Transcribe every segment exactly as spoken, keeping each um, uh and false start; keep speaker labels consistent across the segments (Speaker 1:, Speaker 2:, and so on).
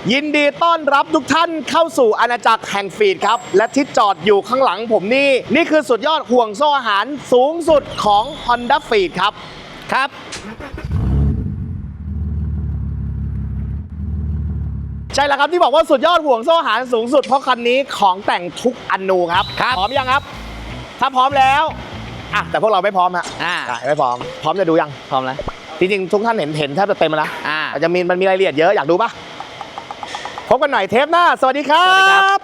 Speaker 1: ยินดีต้อนรับทุกท่านเข้าสู่อาณาจักรแห่งฟีดครับและที่จอดอยู่ข้างหลังผมนี่นี่คือสุดยอดห่วงโซ่อาหารสูงสุดของ Honda Feed ครับครับใช่แล้วครับที่บอกว่าสุดยอดห่วงโซ่อาหารสูงสุดเพราะคันนี้ของแต่งทุกอนูครับพร้อมยังครับถ้าพร้อมแล้วอ่ะแต่พวกเราไม่พร้อมฮะอ่าไม่พร้อมพร้อมจะดูยังพร้อมแล้วจริงๆทุกท่านเห็นเห็นแทบจะเต็มแล้วอ่าจะมีมันมีรายละเอียดเยอะอยากดูปะพบกันหน่อยเทปหน้าสวัสดีครับสวัสดีครับ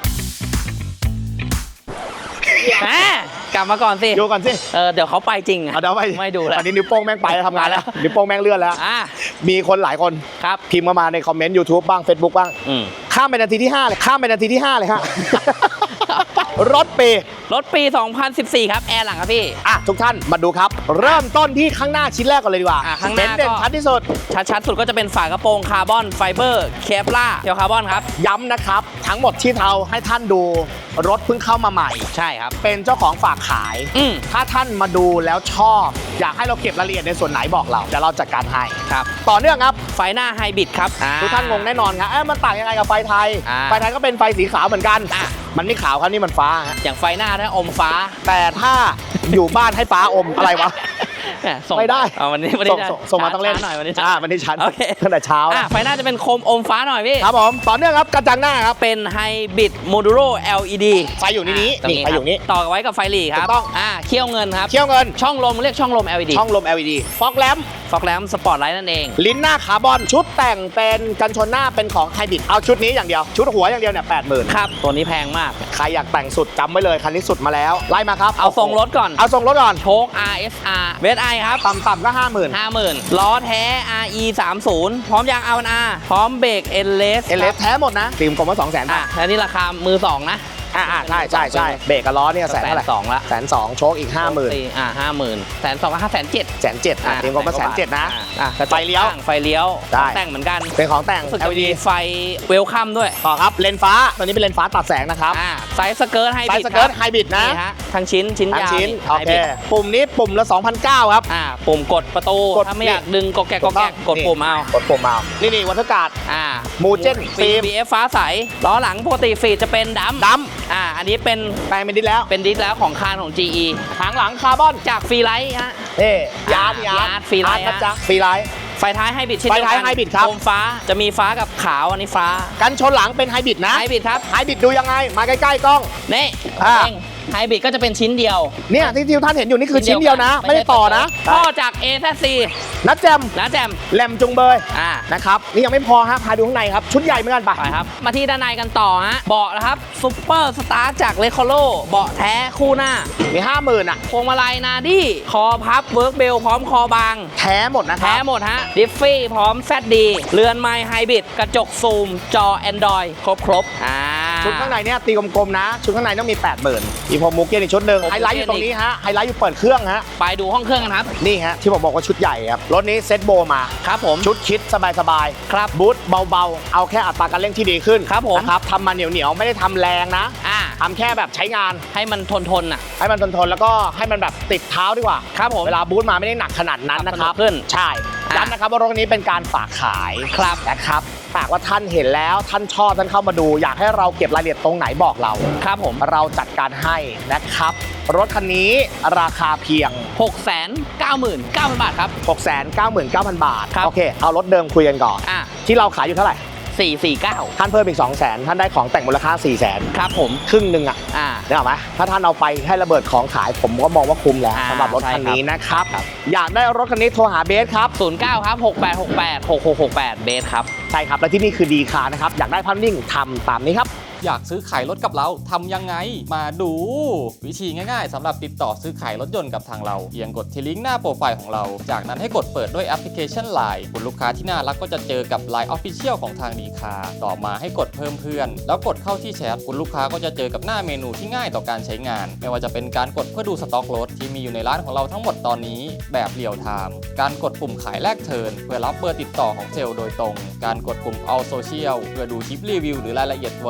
Speaker 2: แหมกลับมาก่อนสิ
Speaker 1: ดูก่อนสิ
Speaker 2: เออเดี๋ยวเขาไปจริงอ่ะ
Speaker 1: เดี๋ยวไป
Speaker 2: ไม่ดูแล้ว
Speaker 1: อันนี้นิ้วโป้งแม่งไปทำงานแล้วนิ้วโป้งแม่งเลื่อนแล้วมีคนหลายคน
Speaker 2: ครับ
Speaker 1: พิมพ์มาในคอมเมนต์ YouTube บ้าง Facebook บ้างข้ามไปนาทีที่ห้าเลยข้ามไปนาทีที่ห้าเลยฮะรถปี
Speaker 2: รถปีสองพันสิบสี่ครับแอร์หลังครับพี่
Speaker 1: อ่ะทุกท่านมาดูครับเริ่มต้นที่ข้างหน้าชิ้นแรกก่อนเลยดีกว่า
Speaker 2: ข้างหน้า
Speaker 1: เด่นชัดที่สุด
Speaker 2: ชัดๆสุดก็จะเป็นฝากระโปรงคาร์บอนไฟเบอร์เคปล่าเทลคาร์บอนครับ
Speaker 1: ย้ำนะครับทั้งหมดที่เราให้ท่านดูรถเพิ่งเข้ามาใหม่
Speaker 2: ใช่ครับ
Speaker 1: เป็นเจ้าของฝากขายถ้าท่านมาดูแล้วชอบอยากให้เราเก็บรายละเอียดในส่วนไหนบอกเราเดี๋ยวเราจัดการให้
Speaker 2: ครับ
Speaker 1: ต่อเนื่องครับ
Speaker 2: ไฟหน้าไฮบริดครับ
Speaker 1: ทุกท่านงงแน่นอนครับเอ๊ะมันต่างยังไงกับไฟไทยไฟไทยก็เป็นไฟสีขาวเหมือนกันมันไม่ขาวครับนี่มันฟ้า
Speaker 2: อย่างไฟหน้าถ้าอมฟ้า
Speaker 1: แต่ถ้าอยู่บ้านให้ฟ้าอมอะไรวะไม่ได้
Speaker 2: วันนี้วันนี้
Speaker 1: ส่งมาต้องเล่น
Speaker 2: หน่อยวันนี้
Speaker 1: อ่าวันนี้ชันตั้งแต่เช้า
Speaker 2: ไฟหน้าจะเป็นโคมอมฟ้าหน่อยพี่
Speaker 1: ครับผมต่อเนื่องครับกระจังหน้าครับ
Speaker 2: เป็นไฮบริดโมดูโร แอล อี ดี
Speaker 1: ไฟอยู่นี้นี่ไฟอยู่นี้
Speaker 2: ต่อไว้กับไฟหลีครับ
Speaker 1: ต้อง
Speaker 2: อ่าเขี้ยวเงินครับ
Speaker 1: เขี้ยวเงิน
Speaker 2: ช่องลมเรียกช่องลม แอล อี ดี
Speaker 1: ช่องลม แอล อี ดี ฟอกแลม
Speaker 2: ฟอกแลมสปอร์ตไลท์นั่นเอง
Speaker 1: ลิ้นหน้าคาร์บอนชุดแต่งเป็นกันชนหน้าเป็นของไฮบริดเอาชุดนี้อย่างเดียวชุดหัวอย่างเดียวเนี่ยแปดหมื่น
Speaker 2: ครับตัวนี้แพงมาก
Speaker 1: ใครอยากแต่งสุดจำไว้เลยคันนี้สุดมาแล้วไล่มาครับ
Speaker 2: เอาทรงรถก่อน
Speaker 1: เอาทรงรถก่อน
Speaker 2: โชค อาร์ เอส อาร์ เวส ไอ ครับ
Speaker 1: ต่ำๆก็ห้าหมื่น
Speaker 2: ห้าหมื่นล้อแท้ อาร์ อี สามสิบ พร้อมยาง อาร์ วัน อาร์ พร้อมเบรก เอล เอส
Speaker 1: เอล เอส แท้หมดนะตีมกลมว่าสองแสน
Speaker 2: อ่ะแล้วนี่ราคามือสองนะ
Speaker 1: อ่าใช่ใช่ใช่เบรกกับล้อเนี่ยแสนเท่าไหร่
Speaker 2: สองละ
Speaker 1: แสนสองโชคอีกห้าหมื่น
Speaker 2: อ่าห้าหมื่นแสนสองก็ห้าแสนเจ็ด
Speaker 1: แสนเจ็ดอ่ะตีมกลมว่าแสนเจ็ดนะ
Speaker 2: ไฟเลี้ยวไฟเลี้ยวแต่งเหมือนกัน
Speaker 1: เป็นของแต่ง
Speaker 2: แอล อี ดี ไฟเวลคัมด้วย
Speaker 1: ต่อครับเลนฟ้าตัวนี้เป็นเลนฟ้าตัดแสงนะครับ
Speaker 2: ไซส์สเกิร์ตไฮบริด
Speaker 1: ไซส์สเกิร์ตไฮบริดนะ
Speaker 2: ทั้งชิ้นชิ้นยาว
Speaker 1: โอเคปุ่มนี้ปุ่มละ สองพันเก้าร้อย ครับ
Speaker 2: อ่าปุ่มกดประตูถ้าไม่อยากดึงกดแกะกดแกะกดปุ่มเอา
Speaker 1: กดปุ่มเอานี่นี่วัตถุการ์ด
Speaker 2: อ่า
Speaker 1: มูเจน
Speaker 2: ฟิล์ม บี เอฟ ฟ้าใสล้อหลังปกติฟีดจะเป็นดำ
Speaker 1: ด
Speaker 2: ำอ่าอันนี้เป็น
Speaker 1: แปลงเป็นดิสแล้ว
Speaker 2: เป็นดิสแล้วของคานของ จี อี
Speaker 1: หางหลังคาร์บอน
Speaker 2: จากฟรีไลท์ฮะ
Speaker 1: เอ้ยาร์ดยาร์ด
Speaker 2: ฟรีไลท์
Speaker 1: นะจ๊ะฟรีไลท์
Speaker 2: ไฟท้ายไฮบริดเช่น
Speaker 1: เดียวกันไฟท้ายไฮบริดครับ
Speaker 2: โคมฟ้าจะมีฟ้ากับขาวอันนี้ฟ้า
Speaker 1: กันชนหลังเป็นไฮบริดนะ
Speaker 2: ไฮบริดครับ
Speaker 1: ไฮบริดดูยังไงมาใกล้ๆกล้อง
Speaker 2: นี่เองไฮบริดก็จะเป็นชิ้นเดียว
Speaker 1: เนี่ยที่ที่ท่านเห็นอยู่นี่คือชิ้นเดียวนะไม่ได้ต่อนะ
Speaker 2: พ่อจาก เอ แซด ซี
Speaker 1: นัดแจม
Speaker 2: นัดแจม
Speaker 1: แหลมจุงเบย
Speaker 2: อ่า
Speaker 1: นะครับนี่ยังไม่พอฮะพาดูข้างในครับชุดใหญ่เหมือนกัน
Speaker 2: ไปครับมาที่ด้านในกันต่อฮะเบาะนะครับซุปเปอร์สตาร์จากเลคโคโลเบาะแท้คู่หน้า
Speaker 1: มีห้าหมื่นอ่ะ
Speaker 2: พวงมาลัยนาดี้คอพับเวิร์กเบลพร้อมคอบาง
Speaker 1: แท้หมดนะ
Speaker 2: แท้หมดฮะดิฟฟี่พร้อมแซดดีเรือนไมค์ไฮบริดกระจกซูมจอ Android ครบครบอ่า
Speaker 1: ชุดข้างในเนี่ยตีกลมๆนะชุดข้างในต้องมี แปดหมื่น อีพอมูเก้อีกชุดหนึ่งไฮไลท์อยู่ตรงนี้ฮะไฮไลท์อยู่เปิดเครื่องฮะ
Speaker 2: ไปดูห้องเครื่องกันครับ
Speaker 1: นี่ฮะที่ผมบอกว่าชุดใหญ่ครับรถนี้เซ็ตโบมา
Speaker 2: ครับผม
Speaker 1: ชุดคิดสบายๆครับบูทเบาๆเอาแค่อัตราการเร่งที่ดีขึ้น
Speaker 2: ครับผม
Speaker 1: นะครับทำมาเหนียวๆไม่ได้ทำแรงนะ
Speaker 2: อ่า
Speaker 1: ทำแค่แบบใช้งาน
Speaker 2: ให้มันทนทนอ่ะ
Speaker 1: ให้มันทนทนแล้วก็ให้มันแบบติดเท้าดีกว่า
Speaker 2: ครับผม
Speaker 1: เวลาบูทมาไม่ได้หนักขนาดนั้นนะครับ
Speaker 2: ขึ้น
Speaker 1: ใช่ย้ำนะครับว่ารถนี้เป็นการฝากขาย
Speaker 2: ครับ
Speaker 1: นะครับหากว่าท่านเห็นแล้วท่านชอบท่านเข้ามาดูอยากให้เราเก็บรายละเอียดตรงไหนบอกเรา
Speaker 2: ครับผม
Speaker 1: เราจัดการให้นะครับรถคันนี้ราคาเพียง
Speaker 2: หกแสนเก้าหมื่นเก้าพัน บาทครับ
Speaker 1: หกแสนเก้าหมื่นเก้าพัน บาท
Speaker 2: โ
Speaker 1: อเคเอารถเดิมคุยกันก่อน
Speaker 2: อ่ะ
Speaker 1: ที่เราขายอยู่เท่าไหร่
Speaker 2: สี่ สี่ เก้า
Speaker 1: ท่านเพิ่มอีก สองแสน ท่านได้ของแต่งมูลค่า สี่แสน
Speaker 2: ครับผม
Speaker 1: ครึ่งหนึ่งอ่ะ
Speaker 2: อ่า
Speaker 1: ได้ไหมถ้าท่านเอาไปให้ระเบิดของขายผมก็มองว่าคุ้มแล้วสำหรับรถคันนี้นะครับอยากได้รถคันนี้โทรหาเบสครับ
Speaker 2: ศูนย์เก้าครับหกแปดหกแปดหกหกหกแปดเบสครับ
Speaker 1: ใช่ครับและที่นี่คือดีคาร์นะครับอยากได้ภาพนิ่งทำตามนี้ครับ
Speaker 3: อยากซื้อขายรถกับเราทำยังไงมาดูวิธีง่ายๆสำหรับติดต่อซื้อขายรถยนต์กับทางเราเพียงกดที่ลิงก์หน้าโปรไฟล์ของเราจากนั้นให้กดเปิดด้วยแอปพลิเคชัน ไลน์ คุณลูกค้าที่น่ารักก็จะเจอกับ ไลน์ Official ของทางดีคาร์ต่อมาให้กดเพิ่มเพื่อนแล้วกดเข้าที่แชทคุณลูกค้าก็จะเจอกับหน้าเมนูที่ง่ายต่อการใช้งานไม่ว่าจะเป็นการกดเพื่อดูสต็อกรถที่มีอยู่ในร้านของเราทั้งหมดตอนนี้แบบเรียลไทม์การกดปุ่มขายแลกเทิร์นเพื่อรับเบอร์ติดต่อของเซลล์โดยตรงการกดปุ่ม All Social เพื่อดูคลิปรีวิวหรือรายละเอียดตัวรถที่น่า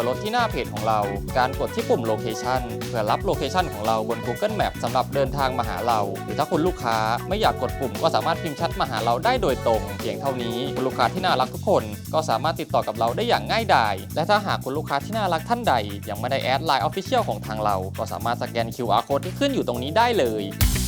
Speaker 3: าเพจของเราการกดที่ปุ่มโลเคชันเพื่อรับโลเคชันของเราบน Google Map สำหรับเดินทางมาหาเราหรือถ้าคุณลูกค้าไม่อยากกดปุ่มก็สามารถพิมพ์แชทมาหาเราได้โดยตรงเพียงเท่านี้คุณลูกค้าที่น่ารักทุกคนก็สามารถติดต่อกับเราได้อย่างง่ายดายและถ้าหากคุณลูกค้าที่น่ารักท่านใดยังไม่ได้แอด ไลน์ Official ของทางเราก็สามารถสแกน คิว อาร์ Code ที่ขึ้นอยู่ตรงนี้ได้เลย